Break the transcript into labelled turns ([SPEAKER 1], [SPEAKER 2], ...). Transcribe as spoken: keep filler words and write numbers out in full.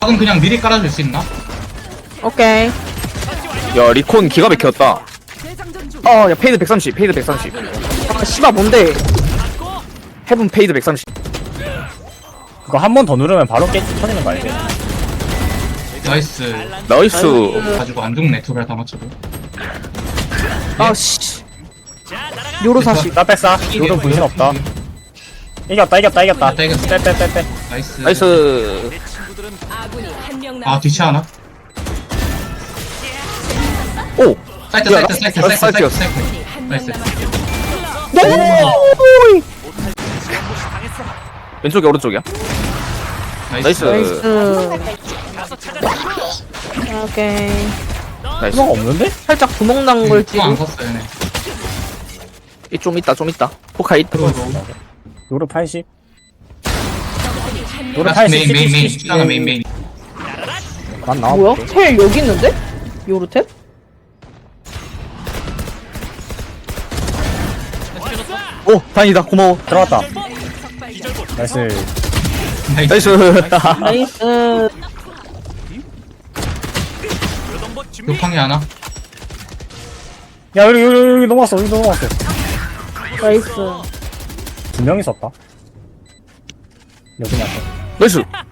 [SPEAKER 1] 박은 그냥 미리 깔아줄 수 있나?
[SPEAKER 2] 오케이.
[SPEAKER 3] 야 리콘 기가 막혔다. 어야 페이드 백삼십 페이드 백삼십
[SPEAKER 2] 아, 씨발, 뭔데?
[SPEAKER 3] 헤븐 페이드 백삼십.
[SPEAKER 4] 그거 한 번 더 누르면 바로 깨 터지는 거 알지?
[SPEAKER 1] 나이스.
[SPEAKER 3] 나이스.
[SPEAKER 1] 가지고 안 죽네, 두 발 다 맞춰도.
[SPEAKER 2] 아, 씨. 요로 사십.
[SPEAKER 4] 나 뺐어. 요런 분신 없다. 이겼다 이겼다 이겼다.
[SPEAKER 1] 이겼다, 이겼다.
[SPEAKER 4] 빼빼빼빼.
[SPEAKER 1] 나이스.
[SPEAKER 3] 나이스.
[SPEAKER 1] 아, 뒤치 하나?
[SPEAKER 3] 오.
[SPEAKER 1] 사이트,
[SPEAKER 3] 야,
[SPEAKER 1] 사이트, 사이트,
[SPEAKER 3] 나-
[SPEAKER 1] 사이트, 사이트,
[SPEAKER 3] 사이트였어.
[SPEAKER 1] 사이트. 나이스.
[SPEAKER 3] 왼쪽이 오른쪽이야.
[SPEAKER 1] 나이스.
[SPEAKER 3] 나이스.
[SPEAKER 2] 나이스. 오케이.
[SPEAKER 3] 나이스.
[SPEAKER 4] 수가 없는데?
[SPEAKER 2] 살짝 구멍 난 걸
[SPEAKER 1] 또 안
[SPEAKER 2] 찍고.
[SPEAKER 1] 샀어요, 얘네.
[SPEAKER 3] 이 좀 있다 좀 있다. 포카이.
[SPEAKER 4] 요로 팔십. 요로
[SPEAKER 1] 라스트
[SPEAKER 4] 팔십.
[SPEAKER 1] 메인, 메인, 메인.
[SPEAKER 4] 시티,
[SPEAKER 1] 숫자가 메인, 메인.
[SPEAKER 4] 난 나와.
[SPEAKER 2] 뭐야? 텔 여기 있는데? 요로탭?
[SPEAKER 3] 오 다행이다 고마워.
[SPEAKER 4] 들어갔다. 나이스.
[SPEAKER 1] 나이스.
[SPEAKER 3] 나이스.
[SPEAKER 2] 나이스.
[SPEAKER 1] 욕탕이 하나?
[SPEAKER 4] 야 여기 여기 여기 넘어왔어 여기 넘어왔어.
[SPEAKER 2] 나이스.
[SPEAKER 4] 두 명이 썼다. 여기 맞다.
[SPEAKER 3] 나이스.